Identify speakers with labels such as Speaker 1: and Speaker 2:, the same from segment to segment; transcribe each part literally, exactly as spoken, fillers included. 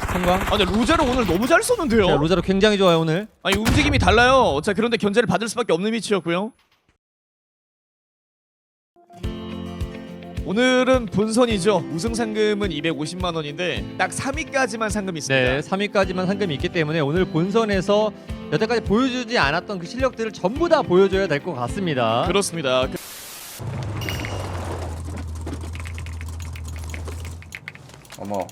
Speaker 1: 성광.
Speaker 2: 아 근데 로자르 오늘 너무 잘 쏘는데요?
Speaker 1: 자, 로자르 굉장히 좋아요 오늘.
Speaker 2: 아니 움직임이 달라요. 자 그런데 견제를 받을 수밖에 없는 위치였고요. 오늘은 본선이죠. 우승 상금은 이백오십만 원인데 딱 삼 위까지만 상금이 있습니다.
Speaker 1: 네, 삼 위까지만 상금이 있기 때문에 오늘 본선에서 여태까지 보여주지 않았던 그 실력들을 전부 다 보여줘야 될 것 같습니다.
Speaker 2: 그렇습니다. 그...
Speaker 3: 어머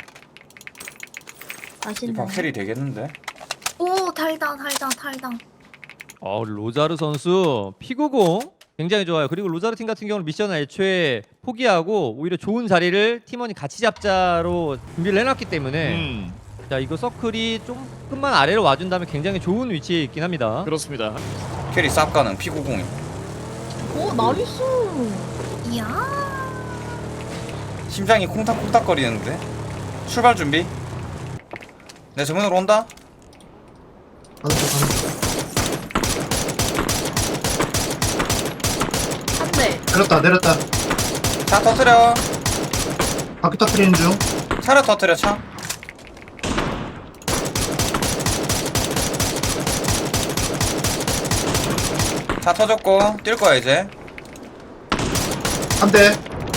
Speaker 4: 맛있네.
Speaker 3: 이판 캐리 되겠는데?
Speaker 4: 오 달다 달다 달다.
Speaker 1: 어, 로자르 선수 피구공 굉장히 좋아요. 그리고 로자르 팀 같은 경우는 미션을 애초에 포기하고 오히려 좋은 자리를 팀원이 같이 잡자로 준비를 해놨기 때문에
Speaker 2: 음,
Speaker 1: 자 이거 서클이 조금만 아래로 와준다면 굉장히 좋은 위치에 있긴 합니다.
Speaker 2: 그렇습니다.
Speaker 3: 캐리 쌉 가는 피구공이.
Speaker 4: 오 나이스. 이야.
Speaker 3: 심장이 콩닥콩닥 거리는데. 출발 준비. 내 정면으로 온다.
Speaker 4: 한 대.
Speaker 5: 내렸다 내렸다.
Speaker 3: 차 터트려.
Speaker 5: 바퀴 터트리는 중.
Speaker 3: 차를 터트려 차. 차 터졌고 뛸 거야 이제.
Speaker 5: 한 대.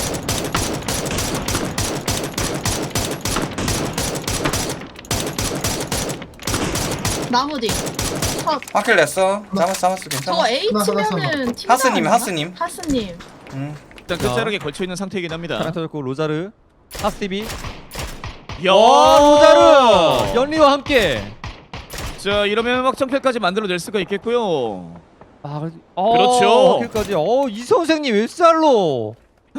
Speaker 4: 나무 뒤. 컷.
Speaker 3: 확킬 냈어. 잡았어 잡았어
Speaker 4: 저거
Speaker 3: 괜찮아.
Speaker 4: A
Speaker 5: 하나, 하나,
Speaker 4: 치면은 팀
Speaker 3: 하스님,
Speaker 4: 나가나?
Speaker 3: 하스님.
Speaker 4: 하스님.
Speaker 3: 응.
Speaker 2: 일단 끝자락에 걸쳐 있는 상태이긴 합니다.
Speaker 1: 차량 터졌고 로자르, 하스티비.
Speaker 2: 야,
Speaker 1: 어, 로자르 연리와 함께.
Speaker 2: 자 이러면 확정패까지 만들어낼 수가 있겠고요.
Speaker 1: 아, 그래도- 어,
Speaker 2: 그렇죠.
Speaker 1: 여기까지. 어, 이 선생님 웬살로?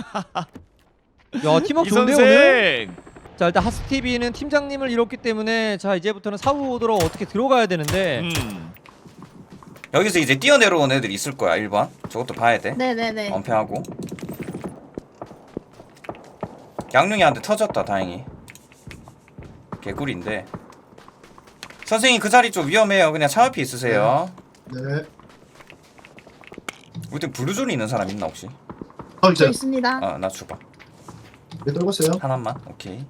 Speaker 1: 야, 팀워크
Speaker 2: 이
Speaker 1: 좋은데요
Speaker 2: 선생.
Speaker 1: 오늘? 자, 일단 하스티비는 팀장님을 잃었기 때문에 자 이제부터는 사후 오더로 어떻게 들어가야 되는데.
Speaker 2: 음.
Speaker 3: 여기서 이제 뛰어내려온 애들 있을 거야 일 번. 저것도 봐야 돼.
Speaker 4: 네네네.
Speaker 3: 엄폐하고. 양룡이한테 터졌다 다행히. 개꿀인데. 선생님 그 자리 좀 위험해요. 그냥 차 앞에 있으세요.
Speaker 5: 네.
Speaker 3: 우리 팀 블루존이 있는 사람 있나 혹시?
Speaker 5: 어
Speaker 4: 저
Speaker 5: 이제
Speaker 4: 있습니다.
Speaker 3: 아 나 줘봐.
Speaker 5: 왜 떨궜어요?
Speaker 3: 하나만. 오케이.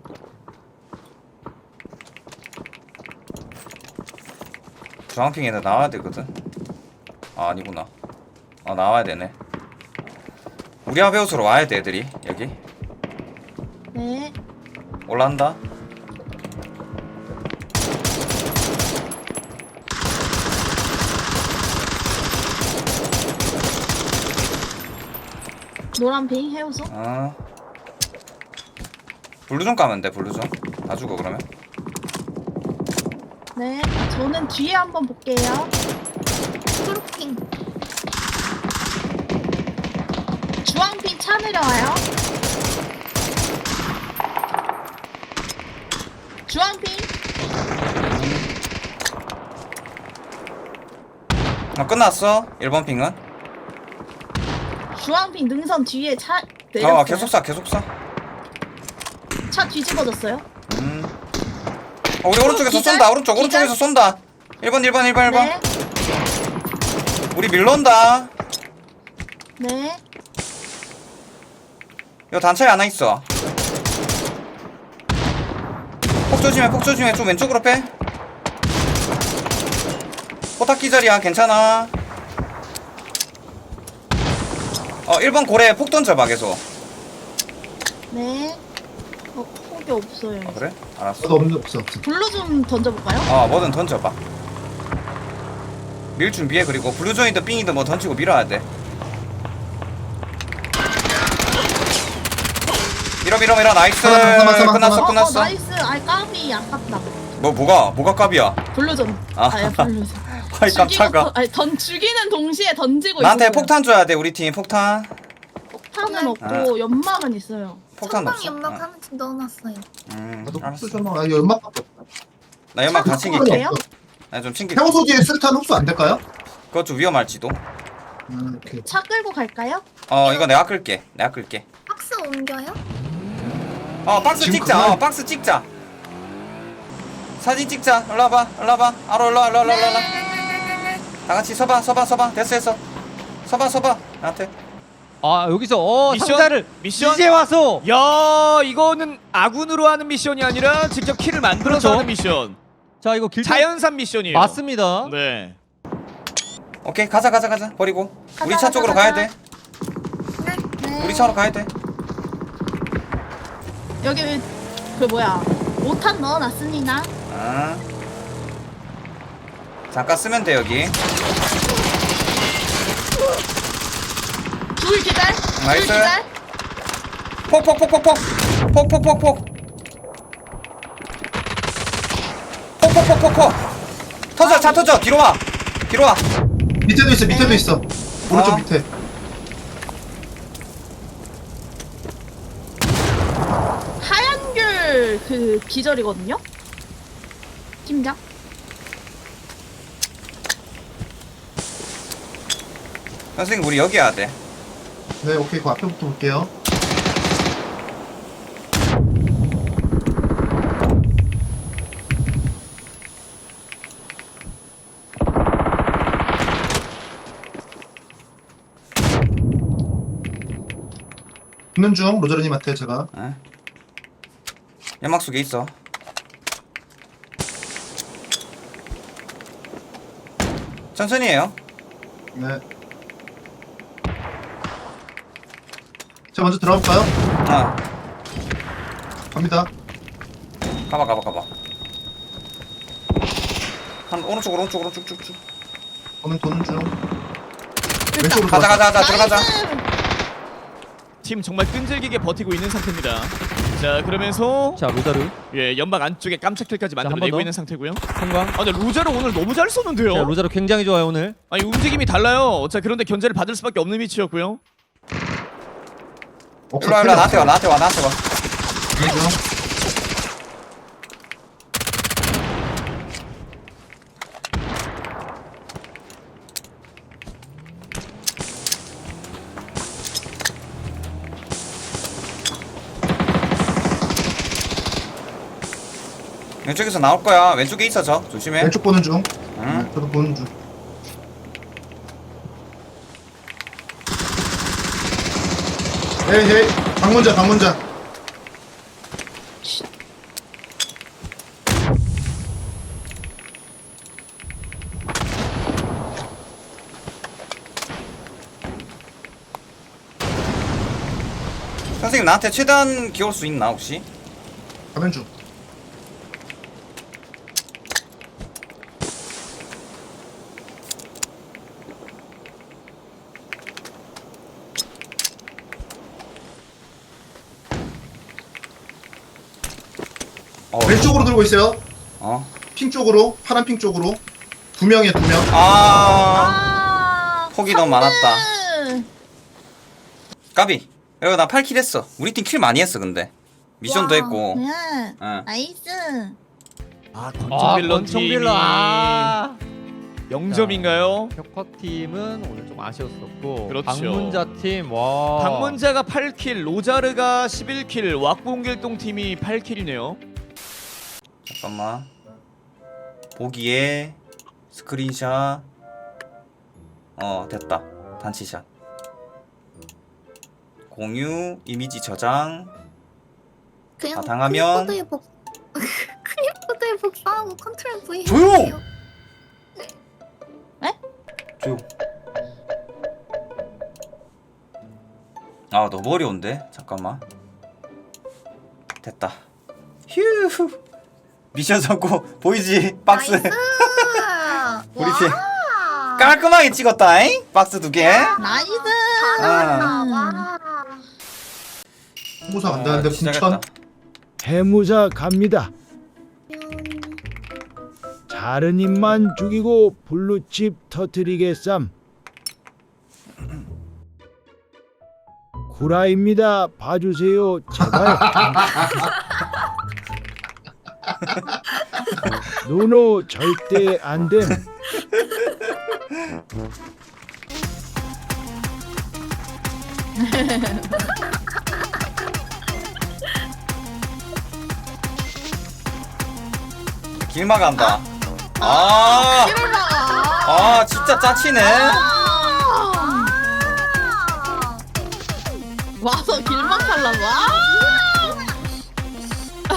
Speaker 3: 주황핑에다 나와야 되거든. 아 아니구나. 아 나와야 되네. 우리 하베우스로 와야 돼 애들이 여기.
Speaker 4: 네.
Speaker 3: 올라간다.
Speaker 4: 노란핑 해우소.
Speaker 3: 아 블루존 까면 돼. 블루존 다 죽어 그러면.
Speaker 4: 네. 저는 뒤에 한번 볼게요.
Speaker 6: 초록핑.
Speaker 4: 주황핑 차 내려와요. 주황핑.
Speaker 3: 아 끝났어. 일 번 핑은.
Speaker 4: 주황핑 능선 뒤에 차 내렸어요.
Speaker 3: 어 계속 쏴 계속 쏴.
Speaker 4: 차 뒤집어졌어요.
Speaker 3: 음. 어, 우리 오른쪽에서
Speaker 4: 기절?
Speaker 3: 쏜다. 오른쪽
Speaker 4: 기절?
Speaker 3: 오른쪽에서 쏜다. 일 번 일 번 일 번 일 번.
Speaker 4: 네.
Speaker 3: 우리 밀러온다.
Speaker 4: 네.
Speaker 3: 요 단차에 하나 있어. 폭 조심해 폭 조심해. 좀 왼쪽으로 빼. 포탑 기절이야. 괜찮아. 어 일 번 고래 폭 던져봐 계속.
Speaker 4: 네. 어, 폭이 없어요.
Speaker 3: 아 그래? 알았어.
Speaker 5: 저도 없는 없어 없어.
Speaker 4: 블루 좀 던져볼까요?
Speaker 3: 어 뭐든 던져봐. 밀 준비해. 그리고 블루존이든 삥이든 뭐 던지고 밀어야 돼. 밀어 밀어 밀어. 나이스.
Speaker 5: 잠깐만, 잠깐만, 잠깐만,
Speaker 3: 끝났어
Speaker 4: 어, 어,
Speaker 3: 끝났어.
Speaker 4: 나이스. 아이 까비 아깝다.
Speaker 3: 뭐 뭐가 뭐가 값이야?
Speaker 4: 블루존.
Speaker 3: 아.
Speaker 4: 아, 예, 블루존.
Speaker 3: 아이
Speaker 4: 죽이고
Speaker 3: 깜짝아.
Speaker 4: 터- 아니, 던 죽이는 동시에 던지고
Speaker 3: 나한테
Speaker 4: 있었어요.
Speaker 3: 폭탄 줘야 돼. 우리 팀 폭탄.
Speaker 4: 폭탄은 없고 연막은 있어요.
Speaker 3: 폭탄
Speaker 6: 천방
Speaker 3: 없어.
Speaker 6: 연막
Speaker 3: 어.
Speaker 6: 하나씩 넣어놨어요.
Speaker 3: 음,
Speaker 5: 나도
Speaker 3: 알았어.
Speaker 5: 흡수 좀. 아 이거 연막밖에 없다.
Speaker 3: 나 연막 다
Speaker 4: 차
Speaker 3: 챙길게.
Speaker 4: 바꿔볼래요?
Speaker 3: 나 좀 챙길게.
Speaker 5: 해우소 뒤에 수류탄 흡수 안 될까요?
Speaker 3: 그것 좀 위험할지도.
Speaker 5: 음 오케이.
Speaker 4: 차 끌고 갈까요?
Speaker 3: 어, 이거 내가 끌게. 내가 끌게.
Speaker 6: 박스 옮겨요?
Speaker 3: 어, 박스
Speaker 5: 지금
Speaker 3: 찍자.
Speaker 5: 그만-
Speaker 3: 어, 박스 찍자. 사진 찍자. 일로 와봐. 일로 와봐. 아로 일로 와. 일로 와. 일로 와. 일로 와. 다 같이 서봐. 서봐. 서봐. 됐어. 됐어. 서봐. 서봐. 나한테.
Speaker 1: 아 여기서 어
Speaker 2: 미션?
Speaker 1: 상자를
Speaker 2: 미션?
Speaker 1: 이제 와서
Speaker 2: 야 이거는 아군으로 하는 미션이 아니라 직접 킬을 만들어서
Speaker 1: 그렇죠.
Speaker 2: 하는 미션.
Speaker 1: 자 이거 길
Speaker 2: 자연산 미션이에요.
Speaker 1: 맞습니다.
Speaker 2: 네.
Speaker 3: 오케이 가자 가자 가자 버리고
Speaker 4: 가자,
Speaker 3: 우리 차
Speaker 4: 가자,
Speaker 3: 쪽으로
Speaker 4: 가자.
Speaker 3: 가야 돼.
Speaker 6: 네.
Speaker 3: 우리 차로 가야 돼.
Speaker 4: 여기 그 뭐야 오탄 넣어놨습니다.
Speaker 3: 아. 잠깐 쓰면 돼 여기.
Speaker 4: 둘 기절.
Speaker 3: 나이스.
Speaker 4: 둘 기절.
Speaker 3: 폭폭폭폭폭 폭폭폭폭 폭폭폭폭폭 터져 차 터져 뒤로 와 뒤로 와.
Speaker 5: 밑에도 있어 밑에도 있어. 오른쪽
Speaker 3: 어.
Speaker 5: 밑에.
Speaker 4: 하얀 귤 그 기절이거든요. 팀장.
Speaker 3: 선생님 우리 여기 와야 돼.
Speaker 5: 네 오케이 그 앞에부터 볼게요. 붙는 중 로저르님한테 제가.
Speaker 3: 에? 연막 속에 있어. 천천히 해요.
Speaker 5: 네. 제가 먼저 들어갈까요?
Speaker 3: 어
Speaker 5: 갑니다.
Speaker 3: 가봐 가봐 가봐. 한 오른쪽 오른쪽 오른쪽 쭉쭉.
Speaker 5: 저는 도는 중. 왼쪽으로
Speaker 3: 가자
Speaker 5: 들어가.
Speaker 3: 가자 가자 들어가자.
Speaker 4: 나이스.
Speaker 2: 팀 정말 끈질기게 버티고 있는 상태입니다. 자 그러면서
Speaker 1: 자 로자르
Speaker 2: 예 연막 안쪽에 깜짝 킬까지
Speaker 1: 한 번
Speaker 2: 만들어내고
Speaker 1: 더.
Speaker 2: 있는 상태고요.
Speaker 1: 성광.
Speaker 2: 아 근데 로자르 오늘 너무 잘 쏘는데요.
Speaker 1: 자 로자르 굉장히 좋아요 오늘.
Speaker 2: 아니 움직임이 달라요. 자 그런데 견제를 받을 수밖에 없는 위치였고요.
Speaker 5: 없어.
Speaker 3: 일로 와 일로 와 나한테 와 나한테 와 나한테 와.
Speaker 5: 도는 중.
Speaker 3: 왼쪽에서 나올 거야. 왼쪽에 있어 저 조심해.
Speaker 5: 왼쪽 보는 중.
Speaker 3: 응.
Speaker 5: 네, 저도 보는 중. 헤이 헤이 방문자 방문자.
Speaker 3: 선생님 나한테 최대한 기울 수 있나 혹시?
Speaker 5: 가면 중.
Speaker 3: 어.
Speaker 5: 왼쪽으로 들고 있어요.
Speaker 3: 어.
Speaker 5: 핑 쪽으로 파란 핑 쪽으로 두 명이야 두 명.
Speaker 3: 아.
Speaker 4: 아.
Speaker 3: 폭이 너무 많았다.
Speaker 4: 삼 등.
Speaker 3: 까비. 여기 나 팔 킬 했어. 우리 팀 킬 많이 했어 근데. 미션도
Speaker 4: 와,
Speaker 3: 했고.
Speaker 4: 네.
Speaker 3: 응.
Speaker 4: 나이스.
Speaker 2: 아
Speaker 1: 아
Speaker 2: 권총빌런
Speaker 1: 권총빌런.
Speaker 2: 팀이
Speaker 1: 아.
Speaker 2: 영 점인가요?
Speaker 1: 혁커 팀은 오늘 좀 아쉬웠었고.
Speaker 2: 그렇죠.
Speaker 1: 방문자 팀 와.
Speaker 2: 방문자가 팔 킬, 로자르가 십일 킬, 왁봉길동 팀이 팔 킬이네요.
Speaker 3: 잠깐만. 보기에 스크린샷. 어 됐다. 단치샷. 공유 이미지 저장.
Speaker 6: 그냥
Speaker 3: 아, 당하면-
Speaker 6: 클립보드에 복 클립보드에 복사하고 컨트롤 V
Speaker 3: 조용!
Speaker 6: 해주세요.
Speaker 3: 조용. 아 너무 어려운데? 잠깐만. 됐다. 휴. 미션 성공. 보이지? 박스.
Speaker 6: 나이스.
Speaker 3: 우리
Speaker 6: 와.
Speaker 3: 팀 깔끔하게 찍었다잉? 박스 두 개.
Speaker 4: 나이스.
Speaker 6: 잘한다.
Speaker 3: 아.
Speaker 6: 와.
Speaker 5: 홍보사 간다는데
Speaker 3: 아, 시작했다.
Speaker 5: 궁천.
Speaker 7: 해무자 갑니다. 자르님만 죽이고 블루칩 터트리겠삼. 구라입니다. 봐주세요. 제발. 노노 절대 안됨.
Speaker 3: 길막 간다. 아, 아 진짜 짜치네.
Speaker 6: 아.
Speaker 4: 와서 길만 팔라고. 아!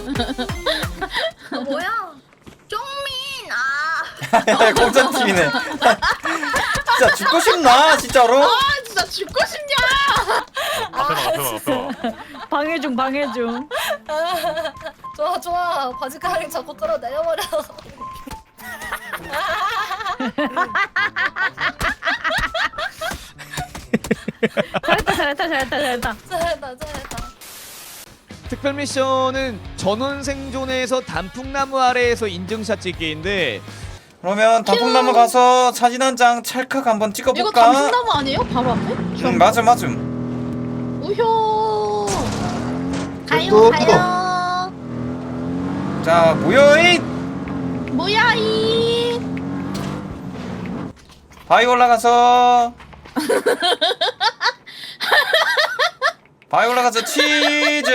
Speaker 6: 어, 뭐야? 쫑민 아
Speaker 3: 공전팀이네. 진짜 죽고 싶나 진짜로?
Speaker 4: 아 진짜 죽고 싶냐?
Speaker 8: 앞에 봐, 앞에 봐, 앞에 봐.
Speaker 9: 방해 중 방해 중.
Speaker 6: 좋아 좋아 바지가랑 자꾸 끌어내려버려.
Speaker 9: 잘했다 잘했다 잘했다 잘했다.
Speaker 6: 잘했다 잘했다.
Speaker 2: 특별 미션은 전원 생존에서 단풍나무 아래에서 인증샷 찍기인데
Speaker 3: 그러면 단풍나무 가서 사진 한 장 찰칵 한번
Speaker 4: 이거
Speaker 3: 찍어볼까?
Speaker 4: 단풍나무 아니에요? 바로 앞에?
Speaker 3: 응 맞음 맞음.
Speaker 4: 우효. 가요
Speaker 5: 또, 또.
Speaker 4: 가요.
Speaker 3: 자 모여잇.
Speaker 4: 뭐야 이?
Speaker 3: 바위 올라가서 바위 올라가서 치즈.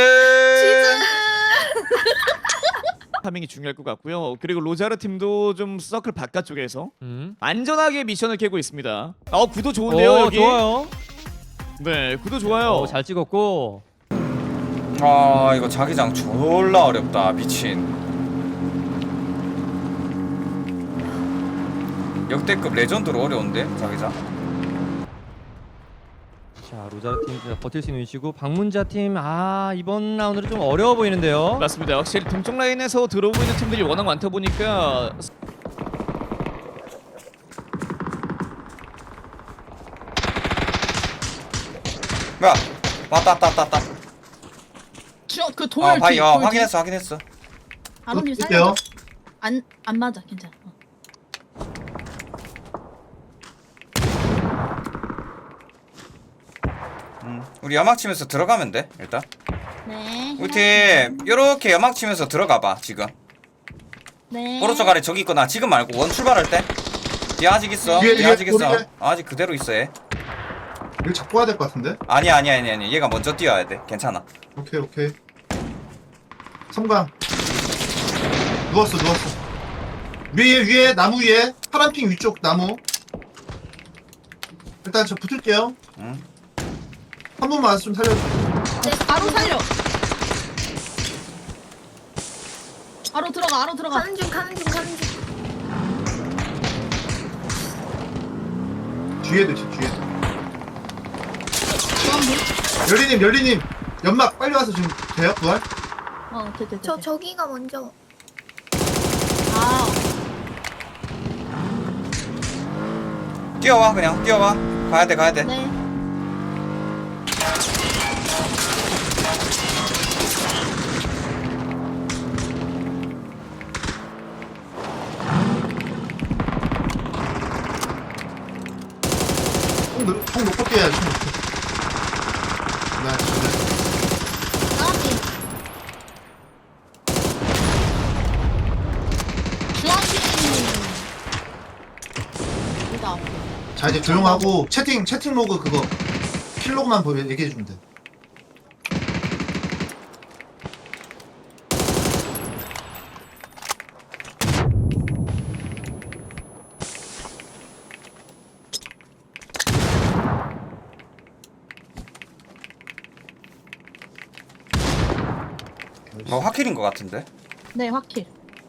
Speaker 2: 파밍이 중요할 것 같고요. 그리고 로자르 팀도 좀 서클 바깥쪽에서
Speaker 1: 음.
Speaker 2: 안전하게 미션을 깨고 있습니다. 어 구도 좋은데요
Speaker 1: 오,
Speaker 2: 여기.
Speaker 1: 좋아요.
Speaker 2: 네 구도 좋아요.
Speaker 1: 어, 잘 찍었고.
Speaker 3: 아 이거 자기장 졸라 어렵다 미친. 역대급 레전드로 어려운데 자기장.
Speaker 1: 자 로자르 팀 진짜 버틸 수 있는 위치고 방문자 팀 아 이번 라운드는 좀 어려워 보이는데요.
Speaker 2: 맞습니다. 확실히 동쪽 라인에서 들어오고 있는 팀들이 워낙 많다 보니까
Speaker 3: 뭐야? 왔다 왔다 왔다 왔다.
Speaker 4: 그 돌.
Speaker 3: 어 바위
Speaker 4: 뒤,
Speaker 3: 어
Speaker 4: 돌 뒤.
Speaker 3: 확인했어 확인했어.
Speaker 4: 아론님
Speaker 5: 또
Speaker 4: 살려.
Speaker 5: 뛸게요.
Speaker 4: 안 안 맞아 괜찮아. 어.
Speaker 3: 음, 우리 연막 치면서 들어가면 돼 일단.
Speaker 4: 네.
Speaker 3: 우리 팀 요렇게 연막 치면서 들어가봐 지금.
Speaker 4: 네.
Speaker 3: 오른쪽 아래 저기 있거나 지금 말고 원 출발할 때. 뒤 아직 있어.
Speaker 5: 뒤에,
Speaker 3: 뒤
Speaker 5: 뒤에,
Speaker 3: 아직 있어.
Speaker 5: 뒤에.
Speaker 3: 아직 그대로 있어 얘.
Speaker 5: 이거 잡고 와야 될 것 같은데?
Speaker 3: 아니야 아니야 아니야 아니야. 얘가 먼저 뛰어야 돼. 괜찮아.
Speaker 5: 오케이 오케이. 섬광. 누웠어 누웠어. 위에 위에 나무 위에 파란핑 위쪽 나무. 일단 저 붙을게요.
Speaker 3: 응.
Speaker 5: 한 번만 좀 살려줘.
Speaker 4: 네, 바로 살려. 바로 들어가. 바로 들어가.
Speaker 6: 가는 중 가는 중 가는 중.
Speaker 5: 뒤에도 있어 뒤에.
Speaker 4: 주황불.
Speaker 5: 열리님 열리님 연막 빨리 와서 지금 돼요 부활?
Speaker 4: 어, 돼, 돼, 돼.
Speaker 6: 저
Speaker 4: 돼.
Speaker 6: 저기가 먼저.
Speaker 4: 아,
Speaker 3: 뛰어와 그냥 뛰어와. 가야 돼 가야 돼.
Speaker 4: 네.
Speaker 5: 총, 놓- 총 놓고 뛰어야지 총 놓고. 네, 네.
Speaker 4: 까비. 주황빛. 여기다.
Speaker 5: 자 이제 조용하고 채팅 채팅 로그 그거 킬 로그만 보면 얘기해 주면 돼.
Speaker 3: 뭐 화킬인 것 같은데.
Speaker 4: 네, 확킬.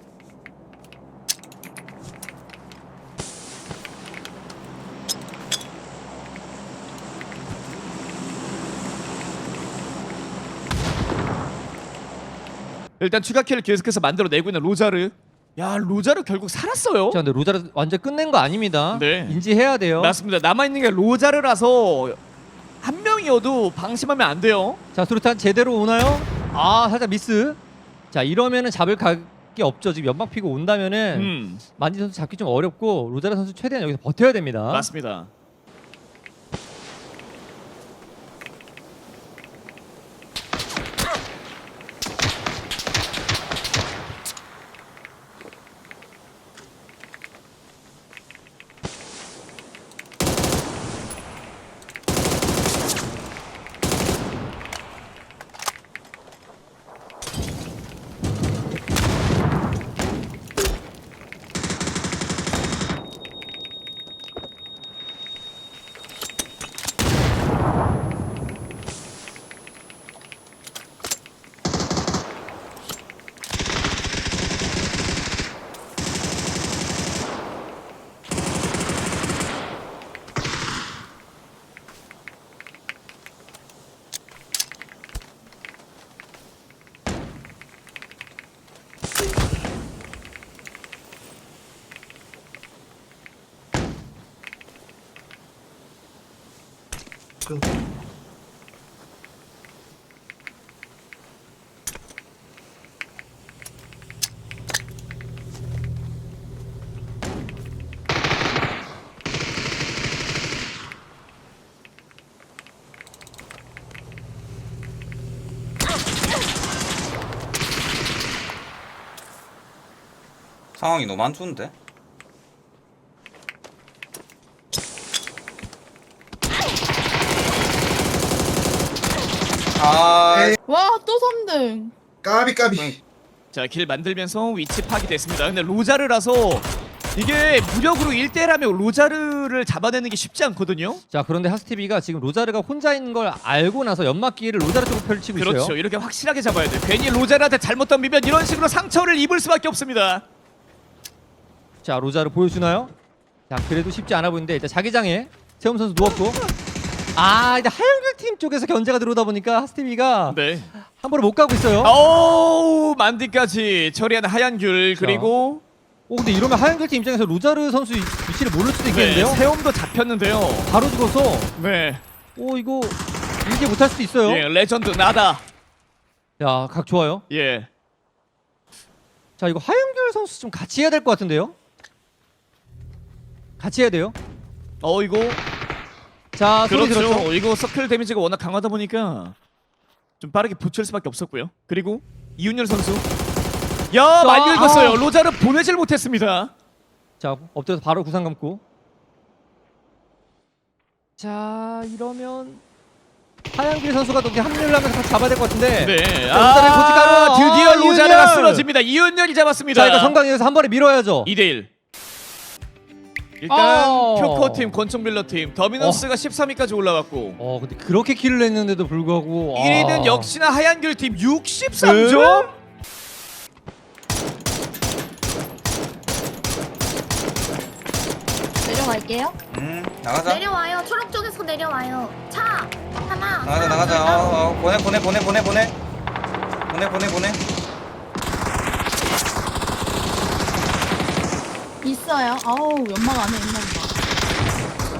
Speaker 2: 일단 추가 킬을 계속해서 만들어내고 있는 로자르. 야 로자르 결국 살았어요.
Speaker 1: 자 근데 로자르 완전 끝낸 거 아닙니다.
Speaker 2: 네.
Speaker 1: 인지해야 돼요.
Speaker 2: 맞습니다. 남아 있는 게 로자르라서 한 명이어도 방심하면 안 돼요.
Speaker 1: 자 수류탄 제대로 오나요? 아 살짝 미스. 자 이러면은 잡을 각이 없죠. 지금 연막 피고 온다면은
Speaker 2: 음
Speaker 1: 만지 선수 잡기 좀 어렵고 로자르 선수 최대한 여기서 버텨야 됩니다.
Speaker 2: 맞습니다.
Speaker 5: 그,
Speaker 3: 상황이 너무 안 좋은데? 아,
Speaker 5: 에이.
Speaker 4: 와, 또 삼 등.
Speaker 5: 까비 까비.
Speaker 2: 자, 길 만들면서 위치 파악됐습니다. 근데 로자르라서 이게 무력으로 일 대 일하면 로자르를 잡아내는 게 쉽지 않거든요.
Speaker 1: 자 그런데 하스티비가 지금 로자르가 혼자 있는 걸 알고 나서 연막기를 로자르 쪽으로 펼치고
Speaker 2: 그렇죠.
Speaker 1: 있어요.
Speaker 2: 이렇게 확실하게 잡아야 돼. 괜히 로자르한테 잘못 덤비면 이런 식으로 상처를 입을 수밖에 없습니다.
Speaker 1: 자 로자르 보여주나요? 자 그래도 쉽지 않아 보이는데 일단 자기장에 세움 선수 누웠고 아 이제 하얀글 팀 쪽에서 견제가 들어오다 보니까 하스티비가
Speaker 2: 네.
Speaker 1: 한 번에 못 가고 있어요.
Speaker 2: 오우, 만디까지 처리하는 하얀귤. 그리고
Speaker 1: 오 근데 이러면 하얀글 팀 입장에서 로자르 선수 위치를 모를 수도 있겠는데요?
Speaker 2: 네, 세움도 잡혔는데요.
Speaker 1: 바로 죽어서
Speaker 2: 네.
Speaker 1: 오 이거 이게 못할 수도 있어요.
Speaker 2: 예, 레전드 나다.
Speaker 1: 야 각 좋아요.
Speaker 2: 예.
Speaker 1: 자 이거 하얀글 선수 좀 같이 해야 될 것 같은데요? 같이 해야 돼요.
Speaker 2: 어, 이거
Speaker 1: 자 소리
Speaker 2: 그렇죠.
Speaker 1: 들었죠?
Speaker 2: 이거 서클 데미지가 워낙 강하다 보니까 좀 빠르게 붙일 수밖에 없었고요. 그리고 이윤열 선수. 야, 많이
Speaker 1: 아,
Speaker 2: 읽었어요.
Speaker 1: 아.
Speaker 2: 로자르 보내질 못했습니다.
Speaker 1: 자 엎드려서 바로 구상 감고 자 이러면 하얀길 선수가 어떻게 합류를 하면서 같이 잡아야 될 것 같은데
Speaker 2: 네.
Speaker 1: 로자르의
Speaker 2: 아,
Speaker 1: 고춧가루.
Speaker 2: 드디어
Speaker 1: 아,
Speaker 2: 로자르가
Speaker 1: 이윤열.
Speaker 2: 쓰러집니다. 이윤열이 잡았습니다.
Speaker 1: 자 이거 성강에서 한 번에 밀어야죠.
Speaker 2: 이 대 일. 일단
Speaker 1: 어.
Speaker 2: 큐커팀, 권총빌러팀 더미너스가 십삼 위까지 올라갔고
Speaker 1: 어 근데 그렇게 킬을 냈는데도 불구하고
Speaker 2: 일 위는
Speaker 1: 아.
Speaker 2: 역시나 하얀귤팀 육십삼 점.
Speaker 4: 내려갈게요.
Speaker 3: 음, 나가자.
Speaker 6: 내려와요. 초록 쪽에서 내려와요. 차 하나.
Speaker 3: 나가자, 나가자. 어, 어, 보내, 보내, 보내, 보내, 보내. 보내, 보내, 보내.
Speaker 4: 있어요. 아우, 연막 안에 있나 보다.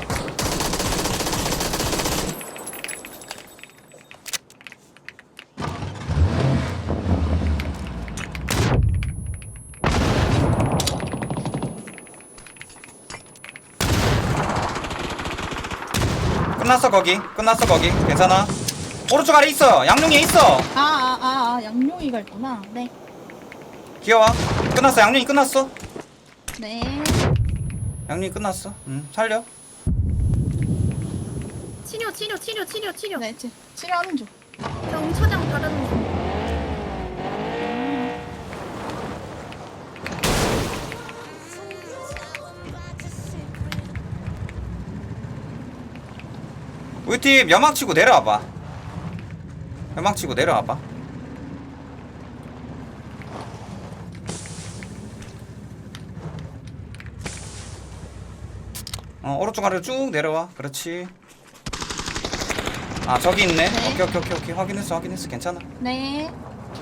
Speaker 3: 끝났어, 거기. 끝났어, 거기. 괜찮아. 오른쪽 아래 있어. 양룡이에 있어.
Speaker 4: 아, 아, 아, 아, 양용이가 있구나. 네.
Speaker 3: 귀여워. 끝났어. 양룡이 끝났어.
Speaker 4: 네.
Speaker 3: 양룡이 끝났어. 응, 살려.
Speaker 6: 치료 치료 치료 치료 치료.
Speaker 4: 네, 치, 치료하는 중.
Speaker 6: 저 응처장 바르는 중.
Speaker 3: 우리 팀 연막 치고 내려와봐. 연막 치고 내려와봐. 어, 오른쪽 아래로 쭉 내려와. 그렇지. 아, 저기 있네.
Speaker 4: 네.
Speaker 3: 오케이, 오케이, 오케이, 오케이. 확인했어, 확인했어. 괜찮아.
Speaker 4: 네.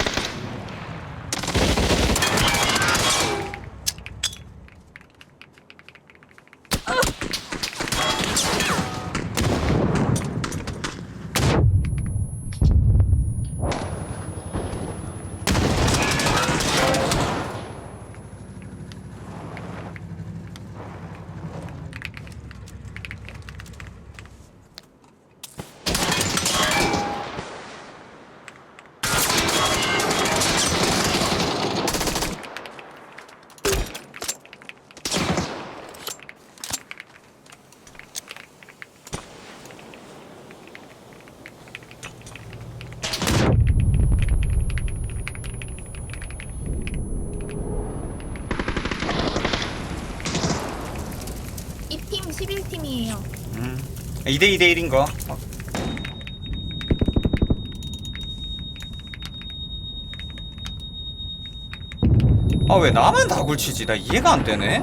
Speaker 6: 이 팀 십일 팀이에요.
Speaker 3: 음. 이 대 이 대 일인 거. 어. 아, 왜 나만 다굴 치지? 나 이해가 안 되네.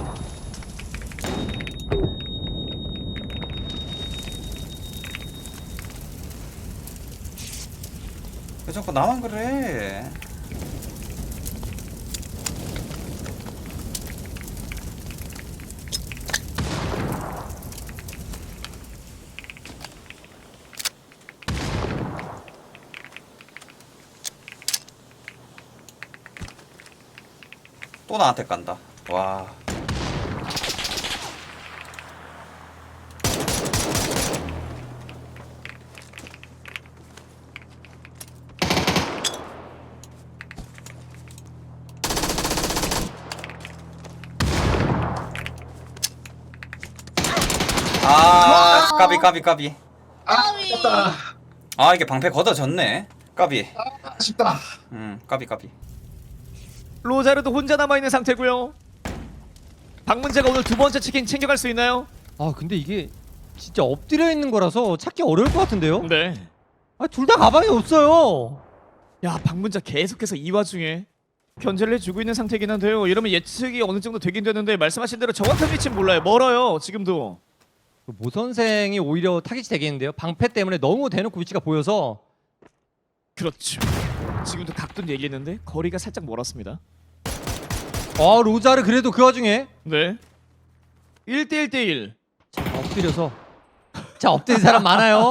Speaker 3: 왜 자꾸 나만 그래? 또 나한테 간다. 와. 아, 까비 까비 까비.
Speaker 5: 아, 다
Speaker 3: 아, 이게 방패 걷어졌네. 까비.
Speaker 5: 아쉽다.
Speaker 3: 음, 까비 까비.
Speaker 2: 로자르도 혼자 남아있는 상태고요. 박문재가 오늘 두 번째 치킨 챙겨갈 수 있나요?
Speaker 1: 아 근데 이게 진짜 엎드려 있는 거라서 찾기 어려울 것 같은데요?
Speaker 2: 네.
Speaker 1: 아 둘 다 가방이 없어요.
Speaker 2: 야, 박문재 계속해서 이 와중에 견제를 해주고 있는 상태긴 한데요. 이러면 예측이 어느 정도 되긴 되는데 말씀하신 대로 정확한 위치는 몰라요. 멀어요 지금도.
Speaker 1: 모 선생이 오히려 타깃이 되겠는데요. 방패 때문에 너무 대놓고 위치가 보여서.
Speaker 2: 그렇죠. 지금도 각도 열리는데 거리가 살짝 멀었습니다.
Speaker 1: 아 로자르 그래도 그 와중에
Speaker 2: 네. 일 대 일 대 일.
Speaker 1: 자 엎드려서 자 엎드린 사람 많아요.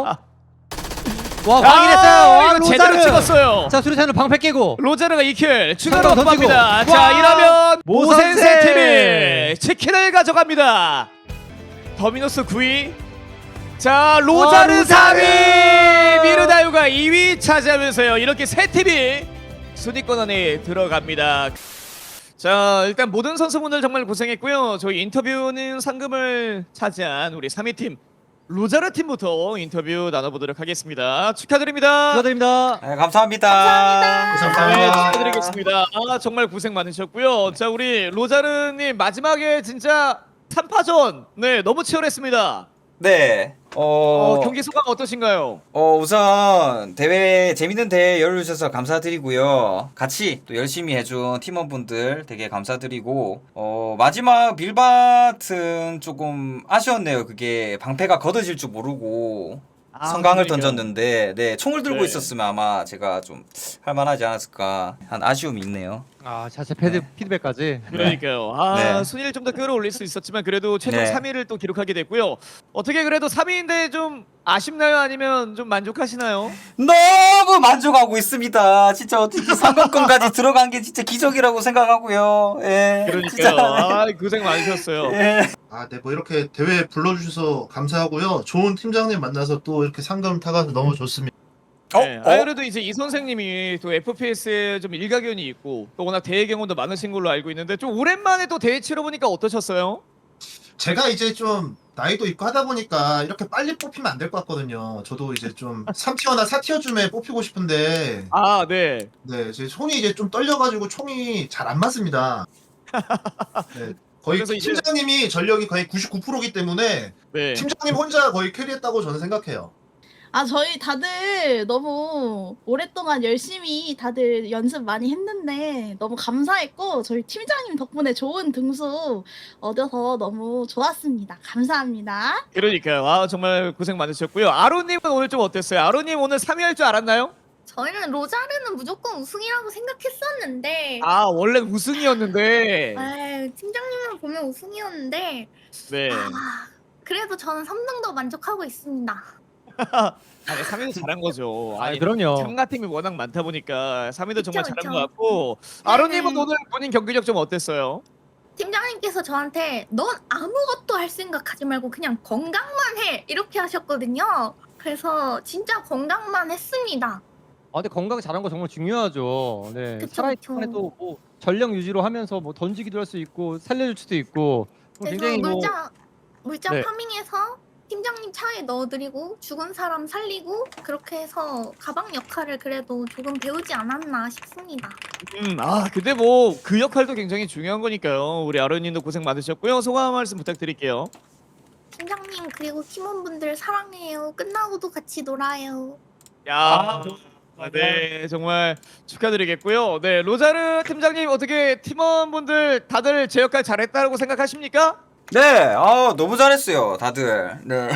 Speaker 1: 와 확인했어요.
Speaker 2: 아,
Speaker 1: 와
Speaker 2: 이거 제대로
Speaker 1: 로자르.
Speaker 2: 찍었어요.
Speaker 1: 자 수류탄으로 방패 깨고.
Speaker 2: 로자르가 이 킬 추가로
Speaker 1: 상대방 던지고.
Speaker 2: 합니다. 자
Speaker 1: 와!
Speaker 2: 이러면 모센세
Speaker 1: 모센세
Speaker 2: 팀이 치킨을 가져갑니다. 더미노스 구 위. 자 로자르
Speaker 1: 와,
Speaker 2: 삼 위.
Speaker 1: 로자르!
Speaker 2: 미르다유가 이 위 차지하면서요. 이렇게 세 팀이 순위권 안에 들어갑니다. 자 일단 모든 선수분들 정말 고생했고요. 저희 인터뷰는 상금을 차지한 우리 삼 위 팀 로자르 팀부터 인터뷰 나눠보도록 하겠습니다. 축하드립니다.
Speaker 1: 축하드립니다.
Speaker 3: 네, 감사합니다.
Speaker 2: 네,
Speaker 5: 감사합니다.
Speaker 2: 축하드리겠습니다. 아 정말 고생 많으셨고요. 자 우리 로자르님 마지막에 진짜 삼 파전 네 너무 치열했습니다.
Speaker 3: 네. 어,
Speaker 2: 어, 경기 소감 어떠신가요?
Speaker 3: 어, 우선 대회 재밌는 대회 열어주셔서 감사드리고요. 같이 또 열심히 해준 팀원분들 되게 감사드리고 어, 마지막 빌밭은 조금 아쉬웠네요. 그게 방패가 걷어질 줄 모르고
Speaker 2: 아,
Speaker 3: 성강을
Speaker 2: 그러니까요.
Speaker 3: 던졌는데 네 총을 들고
Speaker 2: 네.
Speaker 3: 있었으면 아마 제가 좀 할만하지 않았을까 한 아쉬움이 있네요.
Speaker 1: 아 자체 패드
Speaker 3: 네.
Speaker 1: 피드백까지.
Speaker 2: 그러니까요. 아
Speaker 3: 네.
Speaker 2: 순위를 좀 더 끌어올릴 수 있었지만 그래도 최종
Speaker 3: 네.
Speaker 2: 삼 위를 또 기록하게 됐고요. 어떻게 그래도 삼 위인데 좀 아쉽나요? 아니면 좀 만족하시나요?
Speaker 3: 너무 만족하고 있습니다. 진짜 어떻게 상금권까지 들어간 게 진짜 기적이라고 생각하고요. 예.
Speaker 2: 그러니까요.
Speaker 3: 진짜.
Speaker 2: 아 고생 많으셨어요.
Speaker 3: 예.
Speaker 5: 아, 네, 뭐 이렇게 대회 불러주셔서 감사하고요. 좋은 팀장님 만나서 또 이렇게 상금 타가서 너무 좋습니다.
Speaker 3: 어?
Speaker 2: 네,
Speaker 3: 어?
Speaker 2: 아, 그래도 이제 이 선생님이 또 에프피에스에 좀 일가견이 있고 또 워낙 대회 경험도 많으신 걸로 알고 있는데 좀 오랜만에 또 대회 치러보니까 어떠셨어요?
Speaker 5: 제가 이제 좀 나이도 있고 하다 보니까 이렇게 빨리 뽑히면 안 될 것 같거든요. 저도 이제 좀 삼 티어나 사 티어쯤에 뽑히고 싶은데
Speaker 2: 아 네.
Speaker 5: 네, 제 손이 이제 좀 떨려가지고 총이 잘 안 맞습니다. 네, 거의
Speaker 2: 그래서 이제-
Speaker 5: 팀장님이 전력이 거의 구십구 퍼센트이기 때문에
Speaker 2: 네.
Speaker 5: 팀장님 혼자 거의 캐리했다고 저는 생각해요.
Speaker 4: 아 저희 다들 너무 오랫동안 열심히 다들 연습 많이 했는데 너무 감사했고 저희 팀장님 덕분에 좋은 등수 얻어서 너무 좋았습니다. 감사합니다.
Speaker 2: 그러니까요. 아 정말 고생 많으셨고요. 아로님은 오늘 좀 어땠어요? 아로님 오늘 삼 위 할 줄 알았나요?
Speaker 6: 저희는 로자르는 무조건 우승이라고 생각했었는데
Speaker 2: 아 원래 우승이었는데.
Speaker 6: 아유, 팀장님을 보면 우승이었는데
Speaker 2: 네.
Speaker 6: 아, 그래도 저는 삼 등도 만족하고 있습니다.
Speaker 2: 아니 삼 위도 잘한 거죠.
Speaker 1: 아
Speaker 2: 아니
Speaker 1: 그럼요.
Speaker 2: 참가팀이 워낙 많다 보니까 삼 위도 정말
Speaker 6: 그쵸,
Speaker 2: 잘한
Speaker 6: 그쵸.
Speaker 2: 것 같고 아로님은 오늘 본인 경기력 좀 어땠어요?
Speaker 6: 팀장님께서 저한테 넌 아무것도 할 생각하지 말고 그냥 건강만 해 이렇게 하셨거든요. 그래서 진짜 건강만 했습니다.
Speaker 1: 아 근데 건강 잘한 거 정말 중요하죠. 네.
Speaker 6: 그쵸,
Speaker 1: 살아있을
Speaker 6: 그쵸.
Speaker 1: 때도 뭐 전력 유지로 하면서 뭐 던지기도 할 수 있고 살려줄 수도 있고 뭐
Speaker 6: 그래서
Speaker 1: 굉장히 뭐
Speaker 6: 물자 물자
Speaker 1: 네.
Speaker 6: 파밍해서 팀장님 차에 넣어드리고 죽은 사람 살리고 그렇게 해서 가방 역할을 그래도 조금 배우지 않았나 싶습니다.
Speaker 2: 음, 아 근데 뭐 그 역할도 굉장히 중요한 거니까요. 우리 아로님도 고생 많으셨고요. 소감 한 말씀 부탁드릴게요.
Speaker 6: 팀장님 그리고 팀원분들 사랑해요. 끝나고도 같이 놀아요.
Speaker 2: 야, 아, 네 정말 축하드리겠고요. 네 로자르 팀장님 어떻게 팀원분들 다들 제 역할 잘했다고 생각하십니까?
Speaker 3: 네, 아 너무 잘했어요, 다들. 네,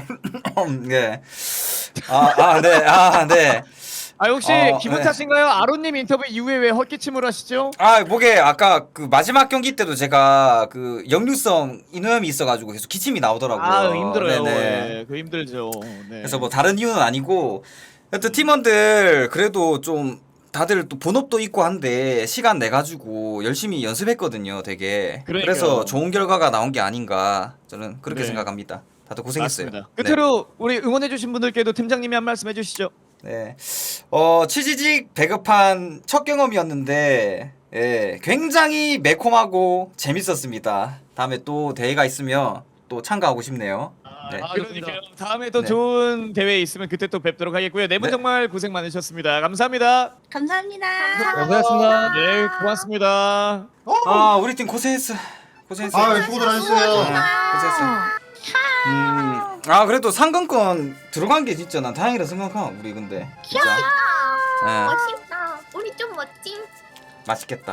Speaker 3: 네. 아, 아, 네, 아, 네.
Speaker 2: 아 혹시
Speaker 3: 어,
Speaker 2: 기분
Speaker 3: 네.
Speaker 2: 탓인가요? 아로님 인터뷰 이후에 왜 헛기침을 하시죠?
Speaker 3: 아, 뭐게 아까 그 마지막 경기 때도 제가 그 역류성 인후염이 있어가지고 계속 기침이 나오더라고요.
Speaker 2: 아 힘들어요.
Speaker 3: 네네.
Speaker 2: 네, 그 힘들죠. 네.
Speaker 3: 그래서 뭐 다른 이유는 아니고, 하여튼 팀원들 그래도 좀 다들 또 본업도 있고 한데 시간 내 가지고 열심히 연습했거든요. 되게.
Speaker 2: 그러니까요.
Speaker 3: 그래서 좋은 결과가 나온 게 아닌가 저는 그렇게
Speaker 2: 네.
Speaker 3: 생각합니다. 다들 고생했어요.
Speaker 2: 맞습니다. 끝으로 우리 응원해주신 분들께도 팀장님이 한 말씀 해주시죠.
Speaker 3: 네. 어, 취지직 배급한 첫 경험이었는데 예, 굉장히 매콤하고 재밌었습니다. 다음에 또 대회가 있으면 또 참가하고 싶네요. 네.
Speaker 2: 아, 그러니까요. 다음에 또
Speaker 3: 네.
Speaker 2: 좋은 대회 있으면 그때 또 뵙도록 하겠고요. 네 분
Speaker 3: 네.
Speaker 2: 정말 고생 많으셨습니다. 감사합니다.
Speaker 4: 감사합니다.
Speaker 1: 고생하셨습니다.
Speaker 2: 네, 고맙습니다.
Speaker 3: 아, 우리 팀 고생했어. 고생했어.
Speaker 5: 아 수고들 하셨어요.
Speaker 3: 고생했어. 음, 아 그래도 상금권 들어간 게 진짜 난 다행이라 생각함. 우리 근데 진짜. 예,
Speaker 6: 멋있다. 우리 좀 멋짐.
Speaker 3: 맛있겠다.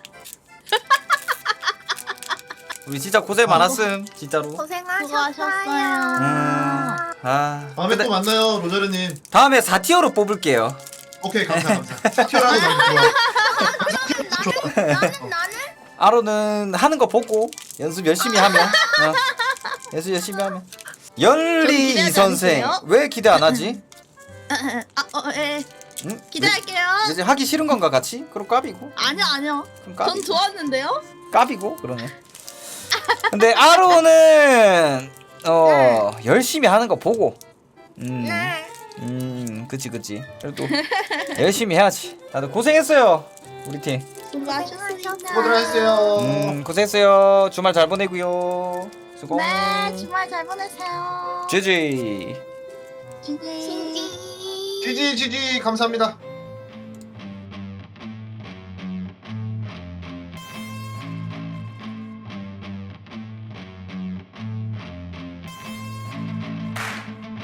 Speaker 3: 우리 진짜 고생 많았음 진짜로.
Speaker 6: 고생하셨어요.
Speaker 4: 수고하셨어요.
Speaker 3: 음, 아
Speaker 5: 다음에
Speaker 3: 근데
Speaker 5: 또 만나요 로자르님.
Speaker 3: 다음에 사 티어로 뽑을게요.
Speaker 5: 오케이 감사 감사. 사티어라도 너무 좋아.
Speaker 6: 나는 나는 나는
Speaker 3: 아로는 하는 거 보고 연습 열심히 하면 어. 연습 열심히 하면 열리
Speaker 4: 기대하지
Speaker 3: 이 선생
Speaker 4: 않으세요?
Speaker 3: 왜 기대 안 하지?
Speaker 4: 아, 어, 예.
Speaker 3: 응?
Speaker 4: 기대할게요.
Speaker 3: 이제 하기 싫은 건가 같이? 그럼 까비고.
Speaker 4: 아니요, 아니요.
Speaker 3: 그럼
Speaker 4: 전
Speaker 3: 까비고.
Speaker 4: 좋았는데요.
Speaker 3: 까비고 그러면. 근데 아로는 어 열심히 하는 거 보고. 음.
Speaker 6: 네.
Speaker 3: 음, 그치 그치. 그래도 열심히 해야지. 다들 고생했어요. 우리 팀.
Speaker 4: 수고하셨습니다.
Speaker 5: 수고들 하셨어요.
Speaker 3: 음, 고생했어요. 주말 잘 보내고요. 수고.
Speaker 4: 네, 주말 잘 보내세요.
Speaker 3: 지지.
Speaker 4: 지지.
Speaker 6: 진지.
Speaker 5: 지지 지지 감사합니다.